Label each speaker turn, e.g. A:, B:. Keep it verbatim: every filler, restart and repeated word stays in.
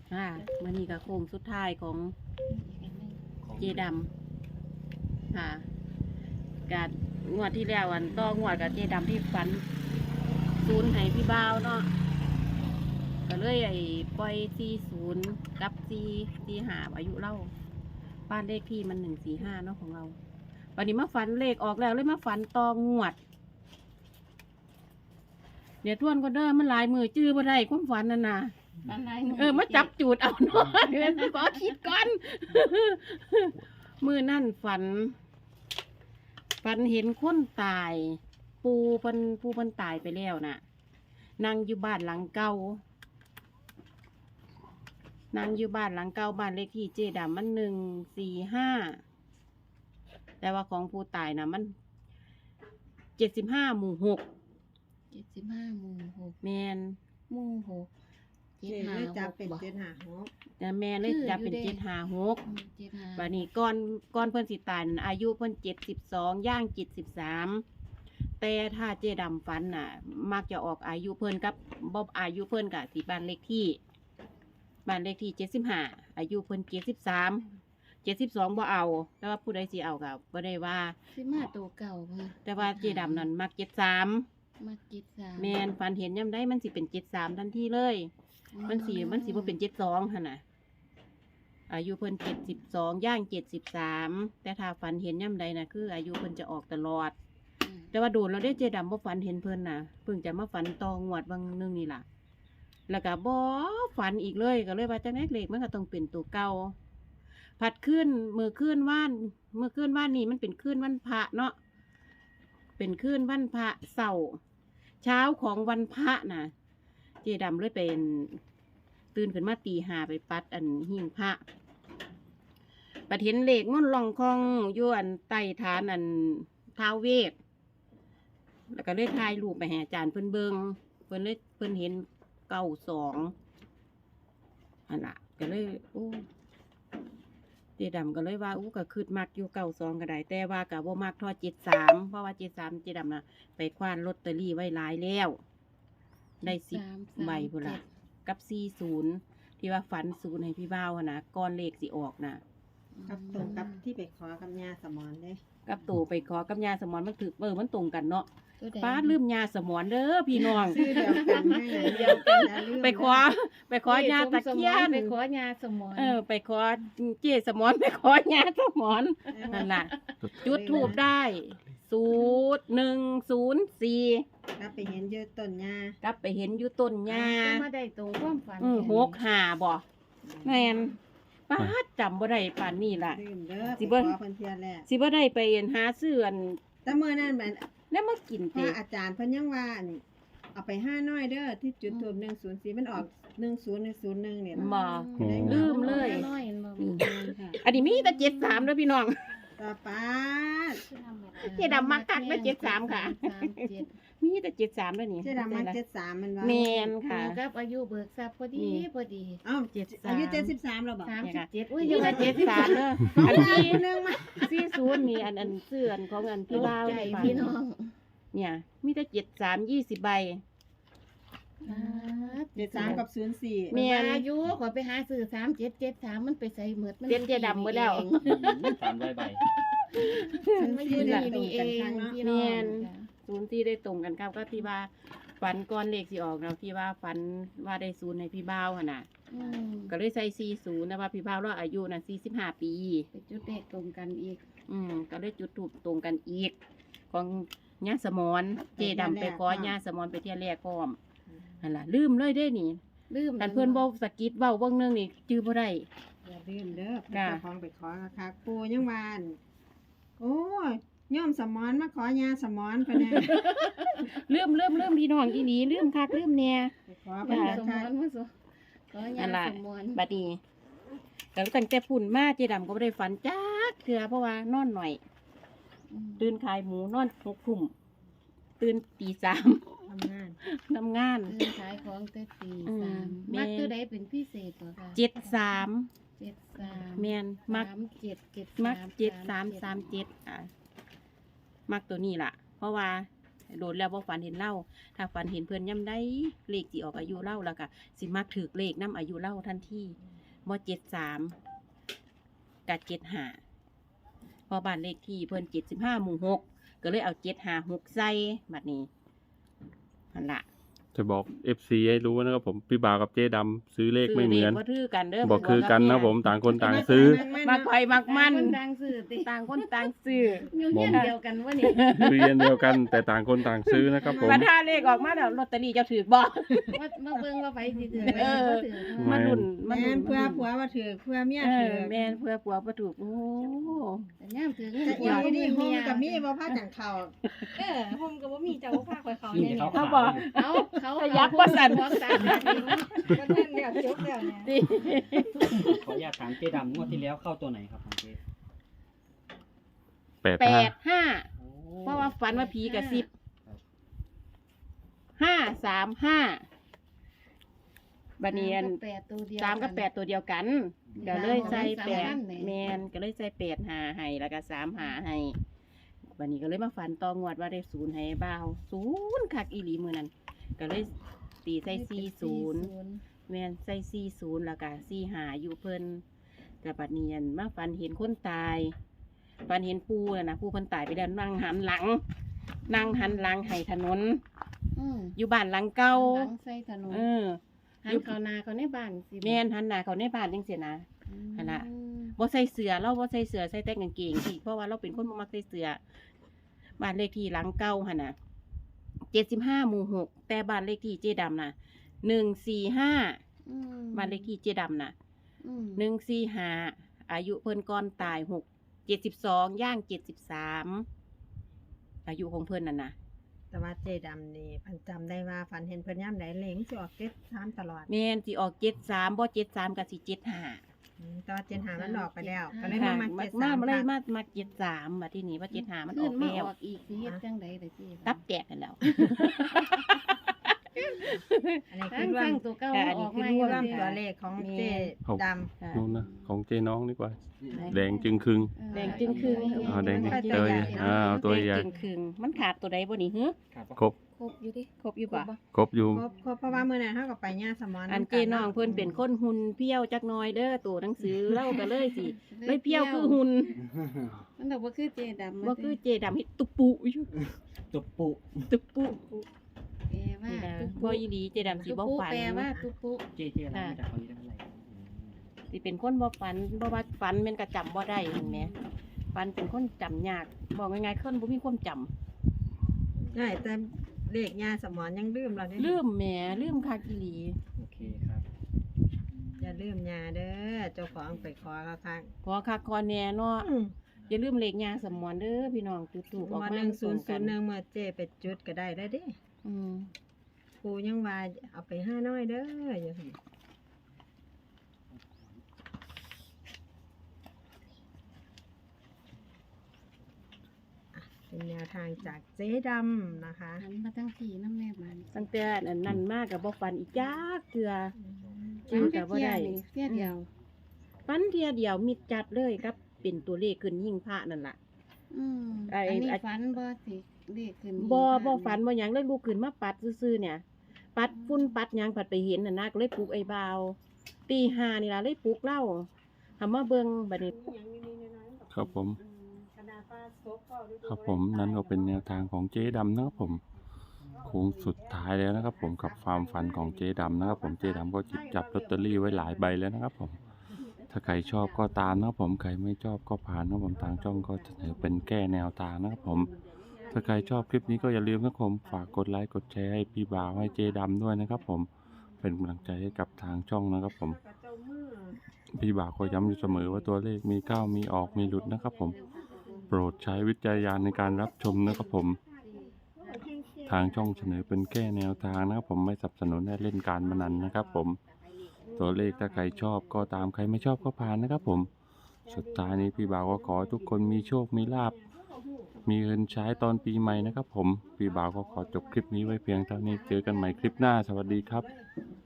A: อ่ามื้อนี้ก็โค้งสุดท้ายของเจดำค่ะกะงวดที่แล้วอันต้องวดกับเจดำที่ฝันศูนย์ให้พี่บ่าวเนาะก็เลยไอ้ปล่อยสี่ศูนย์กับสี่สี่ห้าอายุเล่าบ้านเลขที่มันหนึ่งสี่ห้าเนาะของเราวันนี้มาฝันเลขออกแล้วเลยมาฝันตองวดเดี๋ยวทวนก็เด้อมันหลายมือจื้อบ่ได้ความฝันนั่นน่ะเออมาจับจูดเอาเนาะเดี๋ยวขอคิดก่อน มือนั่นฝัน ฝันเห็นคนตาย ปูเพิ่นปูเพิ่นตายไปแล้วน่ะนั่งอยู่บ้านหลังเก่านั่งอยู่บ้านหลังเก่าบ้านเลขที่เจดำมันหนึ่งสี่ห้าแต่ว่าของผู้ตายน่ะมันเจ็ดสิบห้าหมู่หก
B: เจ็ดสิบห้าหมู่หก
A: แมน
B: หมู่หก
C: เจ็ดห้าจับเป็นเจ็ดห้าหก
A: แต่แม่เลยจะเป็นเจ็ดห้าหก
B: เจ็ดห้า
A: บัดนี้ก่อนก่อนเพิ่นสิตายน่ะอายุเพิ่นเจ็ดสิบสองย่างเจ็ดสิบสามแต่ถ้าเจดำฝันน่ะ มักจะออกอายุเพิ่นกับบ่อายุเพิ่นกับที่บ้านเลขที่บ้านเลขที่เจ็ดสิบห้าอายุเพิ่นเจ็ดสิบสามเจ็ดสิบสองบ่เอา แต่ว่าผู้ใดสิเอาก็บ่ได้ว่า
B: สิมาตัวเก่าค่ะ
A: แต่ว่าเจดำนั้นมักเจ็ดสาม
B: มากิดสาม
A: แม่นฝันเห็นยามใดมันสิเป็นเจ็ดสามทันทีเลย มันสิมันสิบ่เป็นเจ็ดสองหั่นน่ะอายุเพิ่นเจ็ดสิบสองย่างเจ็ดสิบสามแต่ถ้าฝันเห็นย่ำใดน่ะคืออายุเพิ่นจะออกตลอด
B: อืม
A: แต่ว่าโดนเราได้เจดำบ่ฝันเห็นเพิ่นน่ะเพิ่งจะมาฝันตองวดบางนึงนี่ล่ะ แล้วก็บ่ฝันอีกเลยก็เลยว่าจังได๋เลขมันก็ต้องเป็นตัวเก่าผัดขึ้นมื้อคืนว่านมื้อคืนว่านนี่มันเป็นคืนวันพระเนาะเป็นคืนวันพระเสาร์เช้าของวันพระน่ะ เจดำเลยเป็นตื่นขึ้นมาตีห้าไปปัดอันหิ้งพระปัดเห็นเลขม่อนล่องคองอยู่อันใต้ฐานอันท้าวเวทแล้วก็เลยถ่ายรูปไปให้อาจารย์เพิ่นเบิงเพิ่นเลยเพิ่นเห็นเก้าสองอันละก็เลยโอ้เจดำก็เลยว่าอู้ก็คืดมักอยู่เก้าสองก็ได้แต่ว่าก็บ่มักทอดเจ็ดสามเพราะว่าเจ็ดสามเจดำน่ะไปคว้านลอตเตอรี่ไว้หลายแล้วได้สิบ
B: สามสาม
A: ใบพุ่นละ
B: เจ็ด
A: กับสี่ศูนย์ที่ว่าฝันศูนย์ให้พี่บ่าวอะนะก้อนเลขสิออกนะ
C: กับตรงกับที่ไปขอกับยาสมอนเด้
A: กับตู่ไปขอกับยาสมอนมันถือเบอร์มันตรงกันเนาะ
B: ตัวใด
A: ป้าลืมยาสมอนเด้อพี่น้อง
C: ชื่อเดียวกันให้เดียวกันอย่าลืม
A: ไปขอไปขอยาตะเคียน
B: ไปขอยาสมอน
A: เออ ไปขอเจสมอนไปขอยาสมอนนั่นล่ะจุดทูบได้ศูนย์หนึ่งศูนย์สี่
C: แล้วไปเห็นยืดต้นยาก
A: ลับไปเห็นอยู่ต้นยา
B: จะมาได้ตรงความฝัน
A: อือหกห้าบ่แม่นป้าดจำบ่ได้ปานนี้ล่ะ
C: ลืมเด้อ
A: สิ
C: ไป
A: เบิ่
C: ข
A: ง
C: อเพิ่นเทียนแรก
A: สิบ่ได้ไปหาซื้ออัน
C: แต่เมื่อนั้นมัน
A: แล้วมากิน
C: พระ
A: เตะ
C: อาจารย์เพิ่นยังว่านี่เอาไปห้าน้อยเด้อที่จุดทูบหนึ่งศูนย์สี่มันออกหนึ่งศูนย์หนึ่งศูนย์หนึ่งเนี่ย
A: บ่
B: อืม
A: ลืมเลย
B: น้อยๆบ่
A: อืม
C: ค่ะ
A: อันนี้มีแต่เจ็ดสามด้วยพี่น้อง
C: ต่อไป
A: เจ๊ดำมักคักนะเจ็ดสามค่ะ
B: สามเจ็ด
A: มีแต่เจ็ดสามด้วยนี่
C: เจ๊ดำมาเจ็ดสามมันว่า
A: แมนค่ะ
B: กับอายุเบิกทรัพย์พอดี
A: นี่
B: พอดี
C: เอ้า
A: เจ็ดสาม
C: อายุเจ็ดสิบสามแล้วบอก
B: สาม
A: เนี่ย
B: สิบ
A: ค่ะ
B: เจ็ดอุ้ย
A: มี
B: ยัง
A: แต่
B: มา
A: เจ็
B: เจ็
A: ด
B: ด
A: สา
B: สาม ม
A: เด้อ
C: ของ
A: อัน
C: ยาย
A: ที่
C: คนนึงมา
A: สี่ศูนย์นี่อันอันเสื่อนของอันพี่บ้าว
B: ใจ
A: ให้ฟัง
B: พี่น้อง
A: เนี่ย มีแต่เจ็ดสามยี่สิบใบ
C: เจ็ดสามกับศูนย์สี่
A: แม่
B: แม่อายุขอไปหาซื้อสามเจ็ดเจ็ดสามมันไปใส่เหมือดมัน
A: เจ็ดเจ๊ดำหมดแล้ว
D: สามร้อยใบ
B: มันมาอยู่นี่นี่เองพี่น้อง
A: ศูนย์ที่ได้ตรงกันครับก็ที่ว่าฝันก้อนเลขสิออกเราที่ว่าฝันว่าได้ศูนย์ในพี่บ้าวหั่นน่ะ
B: อืม
A: ก็เลยใส่สี่ศูนย์นะว่าพี่บ้าวเราอายุน่ะสี่สิบห้าปี
B: ไปจุดเลขตรงกันอีก
A: อืมก็เลยจุดถูกตรงกันอีก ของญาสมอนเจดำไปขอญาสมอนไปเที่ยวแรกพร้อมนั่นล่ะลืมเลยได้นี่
B: ลืม
A: กันเพื่อนบอกสะกิดเว้าเบิ่งหนึงนี่จื้อบ่ได้
C: อย่าลืมเด้อ
A: จ้ะ
C: เจ้าของไปขอค่ะปูยังวานโอ้ยย่อมสมอนมาขอยาสมอนพะเนี่ย
A: ลืมลืมลืมพี่น้องอีหลีลืมคักลืมแน่
C: ไปขอ
B: มั
C: เพิ่น
B: น
C: นะ
B: สม
C: คะ
B: อนมันสมขอ
A: นั่
B: ยาน
A: ล่ะ
B: สมอน
A: บัดนี้ก็ตั้งแต่พุ่นมาเจดำก็บ่ได้ฝันจักเทื่อเพราะว่านอนหน่อย
B: อืม
A: ตื่นขายหมูนอนหกทุ่มตื่นตีสาม
C: ทำงาน
A: ทำงาน
B: เดินขายของแต่ตี
A: อืม
B: สาม
A: แม่
B: มักตัวใดเป็นพิเศษบ่คะ
A: เจ็ดสาม
B: เจ็ดสาม
A: แมนมัก
B: สามเจ็ดเจ็ด
A: มักเจ็ดสาม
B: เจ็
A: สามเจ็ดอ่ะมักตัวนี้ล่ะ เพราะว่าโดนแล้วบ่ฝันเห็นเล่าถ้าฝันเห็นเพิ่นย่ำได้เลขสิออกอายุเล่าแล้วก็สิมักถือเลขนํอายุเล่าทันทีบ่เจ็ดสามกับเจ็ดห้าพอบ้านเลขที่เพิ่นเจ็ดสิบห้าหมู่หกก็เลยเอาเจ็ดห้าหกใส่บัดนี้นั่นล่ะ
D: จะบอก เอฟ ซี ให้รู้นะครับผมพี่บ่าวกับเจ๊ดำซื้อเลขไม่เหมือน
A: บ่ถือกันเด้อ
D: บอกคือกันนะผมต่างคนต่างซื้อ
A: มักไผมักมัน
B: คนดังสื่อติ
A: ต่างคนต่างซื้อ
B: อยู่เฮียนเดียวกันวะนี่
D: ซื้ออันเดียวกันแต่ต่างคนต่างซื้อนะครับผม
A: บัดถ้าเลขออกมาแล้วลอตเตอรี่เจ้าถือบ่
B: มามาเบิ่งว่าไผสิถือ
A: เออ
B: บ่ถือ
A: มาลุ้นมา
C: แม่
A: ลุ้
C: น
A: น
C: เพื่อผัวว่าถือเพื่อเมีย
A: เอ
C: ถื
A: อ
C: อ
A: แม่นเพื่อผัวบ่ถูกโอ้
B: แต่ย่ามถือ
C: แต่อีนี่โฮมกับมีบ่พาจังเข้า
B: เออผมก็บ่มีเจ้าพาข่อยเขา
E: นี่
B: เนี่ย
E: เขา
A: เขาบอก
B: เอาเขา
A: ขยับบ่สั่น
B: หัวสามนาที
C: ก็นั่นแล้วจบแล้วเนี่ย
A: ดิ
E: ขออนุญาตถามเจ๊ดำงวดที่แล้วเข้าตัวไหนครับของเจ๊
D: แปด
A: แป
D: ห้า
A: ดห้า
E: โอ้
A: เพราะว่าฝันว่าผีกระซิบห้าสามห้าบัดนี้อัน
B: แปดตัวเดียว
A: สามกับแปดตัวเดียวกันก็เลยใส่แปดแมนก็เลยใส่แปดหาให้แล้วก็สามหาให้บัดนี้ก็เลยมาฝันตองวดว่าได้ศูนย์ให้บ่าวศูนย์คักอีหลีมือนั้นก็เลยตีใส่สี่ศูนย์แมนใส่สี่ศูนย์แล้วก็สี่หาอยู่เพิ่นแต่บัดนี้อันมาฝันเห็นคนตายฝันเห็นปูน่ะนะปูเพิ่นตายไปแล้วนั่งหันหลัง นั่งหันหลังให้ถนน
B: อืม
A: อยู่บ้านหลังเก่า
B: หลังใส่ถนน
A: เออ
B: หันเข้านาเขาในบ้านสิ
A: แม่นหันหน้าเขาในบ้านจังซี่นะ หั่นล่ะ
B: อืม
A: บ่ใส่เสื้อเราบ่ใส่เสื้อใส่แต่กางเกงสิเพราะว่าเราเป็นคนบ่มักใส่เสื้อบ้านเลขที่หลังเก่าหั่นน่ะเจ็ดสิบห้าหมู่หกแต่บ้านเลขที่เจ๊ดำน่ะหนึ่งสี่ห้า
B: อืม
A: บ้านเลขที่เจ๊ดำน่ะ
B: อืม
A: หนึ่งสี่ห้าอายุเพิ่นก่อนตายหกเจ็ดสิบสองย่างเจ็ดสิบสามอายุของเพิ่นน่ะนะ
C: แต่ว่าเจดำนี่เพันจำได้ว่าฝันเห็นเพิ่นย่ำใดเหลงสิออกเก็ดสามตลอด
A: แม่นสิออกเจ็ดสามบ่เจ็ดสามก็สิเจ็ดห้า
C: อืมแต่ว่าเจนหามันออกไปแล้ว ก็เลย
A: ค่ะ
C: มา
A: มา
C: มาเก็ด
A: มา
C: สาม
A: มาเลย
C: ค่ะ
A: มามาเจ็ดสามมาที่นี่ว่าเจ็ดห้ามันอ
B: ขึ้
A: อน ก
B: มา
A: แล้ว
B: ออกอีกสิเฮ็ดจังได๋ล่ะพี่
A: ตับแตกกันแล้ว
C: อันนี้
B: ทั้
C: คื
B: ง
C: อรว
B: ทั้
C: ม
B: งตัวเก่า
A: แต่อัน
B: อ
A: นี้
B: อก
A: คือ
B: มา
A: ร่
B: อยู่
A: วม
C: รวม
B: เด้
C: ตัวเลขของเจดำ
A: ค่ะ
D: นู่นนะของเจ๊น้องดีกว่า
A: ไหน
D: แดงจึงครึ่ง
A: แดงจึงครึ่ง
D: อ๋อแดง
C: มันก็
D: เตย
C: ใหญ่
D: อ่าเอาตัวใหญ่
A: แดงครึ่งๆมันขาดตัวใดบ่นี่ฮึ
E: ครับ
D: ครบ
B: ครบอยู่ดิ
A: ครบอยู่ปะ
D: ครบอยู่
C: ครบครบเพราะว่ามื้อนั้นเฮาก็ไปย่าสมอน
A: อันเจน้องเพิ่นเป็นคนหุ่นเพี้ยวจักหน่อยเด้อตัวหนังสือเล่าก็เลยสิเลยเพี้ยวคือหุ่น
B: มันดอกบ่คือเจดำ
A: บ่คือเจดำเฮ็ดตุปุอยู่
E: ตุบปุ
A: ตุปุ
B: แปลว่า
A: นี่นะ
B: ตุ๊
A: บ่อีหลีเจดำสิ
B: ตุ๊
A: บ่
B: ปุ
A: ฝัน
B: แปลว่าตุ๊ปุ
E: เจ๊เจ๊อะไรมาจากคนนี้ได้เท่าไหร่
A: สิเป็นคนบ่ฝันบ่ว่าฝันแม่นก็จำบ่ได้เห็นไหมฝันเป็นคนจำยากบอกง่ายๆคนบ่มีความจำ
C: ใช่แต่เลขย่าสมอนยังลืมเราได้
A: ลืมแหมลืมคักอีหลี
E: โอเคครับ
C: อย่าลืมย่าเด้อเจ้าของไปขอเขาข้าง
A: ขอคักขอแน่เนาะ
C: อืม
A: อย่าลืมเลขยาสมอนเด้อพี่น้องจุดถูกออก
C: มา
A: มา
C: หนึ่งศู
A: ส่
C: น
A: ง
C: ย์ศู
A: กัน
C: ย์หนึ่งเมื่อเจไปจุดก็ได้ได้อเด้
A: อืม
C: ครูยังว่าเอาไปห้าน้อยเด้ออย่าหั่นอ่ะเป็นแนวทางจากเจ๊ดำนะคะ
B: หันมาทั้งทีน้ำแม่บ้าน
A: ตั้งแต่อันนั้นมากกับบ่ฝันอีกจักเทื่อ
B: ฟันก็บ่ได้เสียเดียว
A: ฝันเทียเดียวมิดจัดเลยครับเป็นตัวเลขขึ้นยิ่งพระนั่นล่ะ
B: อืม
A: ไอ้
B: อันนี้
A: ไอ้
B: ฝันบ่สิเลขขึ้น
A: บ่บ่ฝันบ่หยังเลยลุกขึ้นมาปัดซื่อๆเนี่ย ปัดฝุ่นปัดหยังปัดไปเห็นน่ะนะก็เลยปลุกไอ้บ่าวตีห้านี่ล่ะเลยปลุกเล่าทำมาเบิ่งบัดนี้
D: ครับผม ครับผมนั่นก็เป็นแนวทางของเจ๊ดำนะครับผมโค้งสุดท้ายแล้วนะครับ ผมกับความฝันของเจ๊ดำนะครับผมเจ๊ดำก็จิบจับลอตเตอรี่ไว้หลายใบแล้วนะครับผมถ้าใครชอบก็ตามนะครับผมใครไม่ชอบก็ผ่านนะครับผมทางช่องก็เสนอเป็นแก้แนวทางนะครับผมถ้าใครชอบคลิปนี้ก็อย่าลืมนะครับผมฝากกดไลค์กดแชร์ให้พี่บ่าวให้เจ๊ดำด้วยนะครับ ผมเป็นกำลังใจให้กับทางช่องนะครับ ผมพี่บ่าวก็ย้ำอยู่เสมอว่าตัวเลขมีเข้ามีออกมีหลุดนะครับ ผมโปรดใช้วิจารณญาณในการรับชมนะครับผมทางช่องเสนอเป็นแค่แนวทางนะครับผมไม่สนับสนุนให้เล่นการพนันนะครับ ผมตัวเลขถ้าใครชอบก็ตามใครไม่ชอบก็ผ่านนะครับ ผมสุดท้ายนี้พี่บ่าวก็ขอให้ทุกคนมีโชคมีลาภมีเงินใช้ตอนปีใหม่นะครับ ผมพี่บ่าวก็ขอจบคลิปนี้ไว้เพียงเท่านี้เจอกันใหม่คลิปหน้าสวัสดีครับ